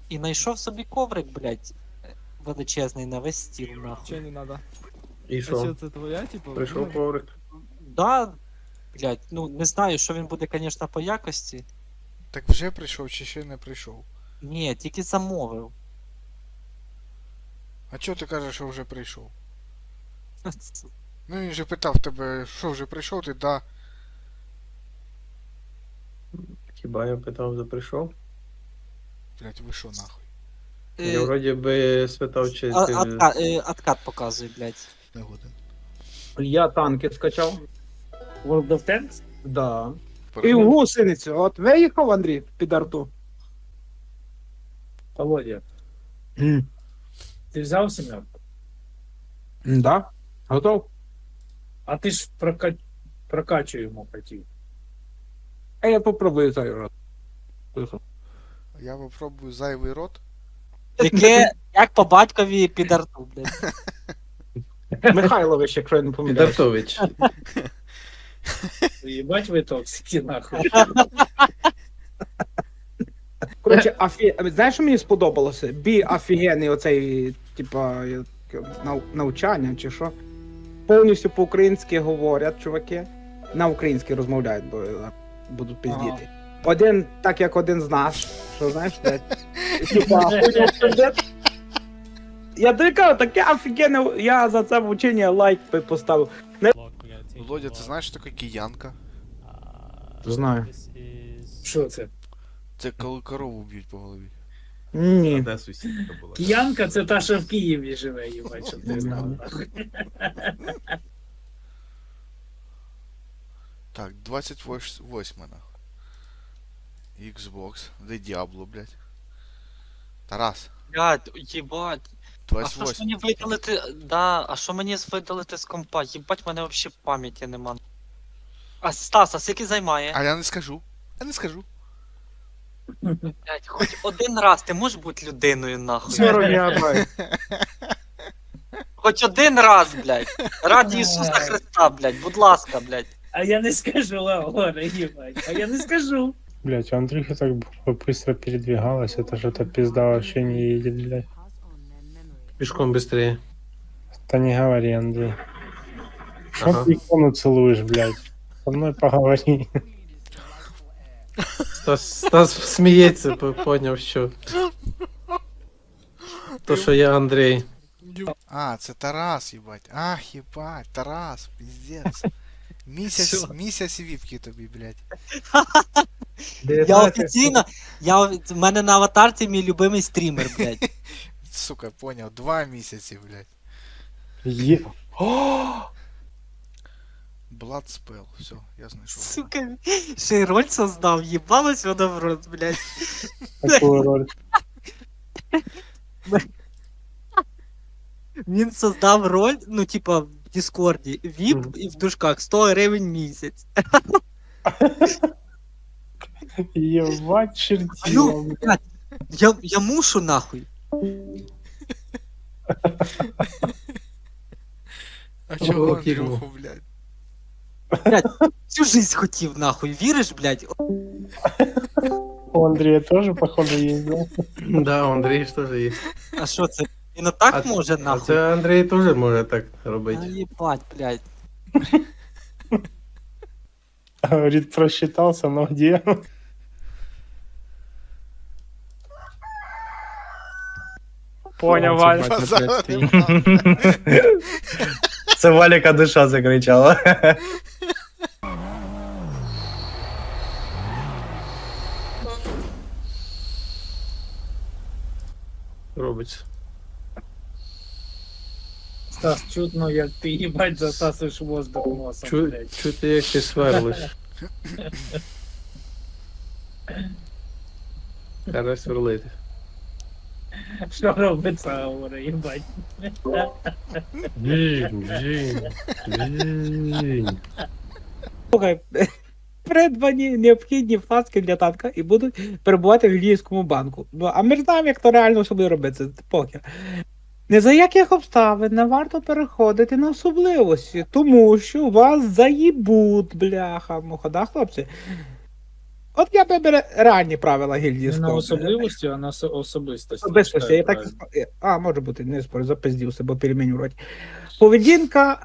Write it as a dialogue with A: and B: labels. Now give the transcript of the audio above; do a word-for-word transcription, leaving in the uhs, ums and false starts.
A: і знайшов собі коврик, блядь, величезний на весь стіл,
B: Че
A: нахуй.
B: не надо?
C: І
B: А що
C: що?
B: це твоя, типу?
C: Прийшов
B: ну,
C: коврик.
A: Да, блядь, ну не знаю, що він буде, конечно, по якості.
D: Так вже прийшов чи ще не прийшов?
A: Ні, тільки замовив.
D: А чого ти кажеш, що вже прийшов? Ну він же питав тебе, що вже прийшов, ти да.
C: Хіба я питав, за прийшов?
D: Блять, ви що нахуй?
C: Я вроді би спитав, чи
A: А-
C: ти...
A: Откат, е, откат показує, блядь.
D: Не годин.
E: Я танки скачав.
F: World of Tanks?
E: Да.
B: І в гусеницю. От виїхав, Андрій, під арту.
F: Володя, ти взяв сімерку?
E: Да. Готов?
F: А ти ж прока... прокачуємо хотів.
E: А я попробую цей раз. Тихо.
D: Я попробую зайвий рот.
A: Яке, як по батькові під арту, блядь.
E: Михайлович, якщо я не помиляюсь.
C: Підартович.
F: Єбать ви токсики, нахуй.
E: Коротше, афі... знаєш, що мені сподобалося? Бі офігенний оцей, типа, як, нау... навчання чи що. Повністю по-українськи говорять, чуваки. На українській розмовляють, бо е, будуть пиздіти. Один, так як один з нас, що знаєш, блядь. Типа, хуйня сюжет. Я тобі кажу, таке офігенне, я за це вчення лайк би поставив.
D: Володя, ти знаєш, що таке киянка?
E: Знаю.
F: Що це?
D: Це коли корову б'ють по голові.
E: Ні.
C: Де сусідка була?
F: Киянка це та, що в Києві живе, їбать, щоб ти знав, нахуй.
D: Так, двадцять восьме нахуй. Xbox. Де Діабло, блять. Тарас.
A: Блядь, їбать. А
D: двадцять
A: що ж
D: восьме.
A: мені видалити, да, а що мені видалити з компа? Їбать, в мене взагалі пам'яті нема. А Стас, а скільки займає?
D: А я не скажу. Я не скажу.
A: Блядь, хоч один раз ти можеш бути людиною, нахуй.
E: Сорок я
A: Хоч один раз, блядь. Раді Ісуса Христа, блядь, будь ласка, блядь.
F: А я не скажу, Лаура, їбать. А я не скажу.
G: Блять, у Андрюхи так быстро передвигалась, это что-то пизда вообще не едет, блядь.
C: Пішком швидше.
G: Да не говори, Андрей. Что
C: Ага.
G: ты икону целуешь, блядь? Со мной поговори.
C: Стас, Стас сміється, по- поняв, що. То, що я Андрій.
D: А, це Тарас, їбать. Ах, їбать, Тарас, пиздец. Місяць,
A: Що?
D: місяць віпки тобі, блядь.
A: Я офіційно, я, в мене на аватарці мій любимий стрімер, блядь.
D: Сука, поняв, два місяці, блядь.
G: Е...
D: Blood Spell, все, я знайшов.
A: Сука, ще й роль создав, їбалось воно в рот, блядь.
G: Какую роль?
A: Він создав роль, ну, типа, в Діскорді, віп
C: Мгм.
A: і в дужках сто гривень місяць.
G: Ебать,
A: А
G: чертила,
A: ну,
G: блядь.
A: блядь, я, я мушу нахуй.
D: А чого
C: Ох, Ігор.
D: Андрюху, блядь?
A: Всю жизнь хотів нахуй, віриш, блядь?
G: У Андрея тоже, походу, есть, да?
C: Да, у Андрій ж теж є.
A: А що це? Він отак
C: А-
A: може
C: А
A: нахуй?
C: це Андрій теж може так
A: А
C: робити.
A: їбать, блядь.
G: Говорит, просчитался, но где?
H: Поняв, Валь.
D: Базар
H: Це Валіка душа закричала.
C: Робиться.
F: Стас, чутно, як ти їбать засасуєш воздух носом,
C: Чу,
F: блядь.
C: чути, як ти сверлиш. Зараз сверлити.
F: Що робиться, говорить, їбать.
C: Жінь, жінь, жінь.
E: Слухай, придбані необхідні фаски для танка і будуть перебувати в Львівському банку. Ну, а ми ж знаємо, як то реально собі робити, це похер. Не за яких обставин не варто переходити на особливості, тому що вас заїбуть, бляха, муха, да, хлопці? От я би бере реальні правила гільдії
F: Не на
E: склав.
F: особливості, а на со- особистості.
E: Особистості, я
F: Читаю
E: так і
F: правильно.
E: ск- А, може бути, не спорю, запиздівся, бо переміню роті. Поведінка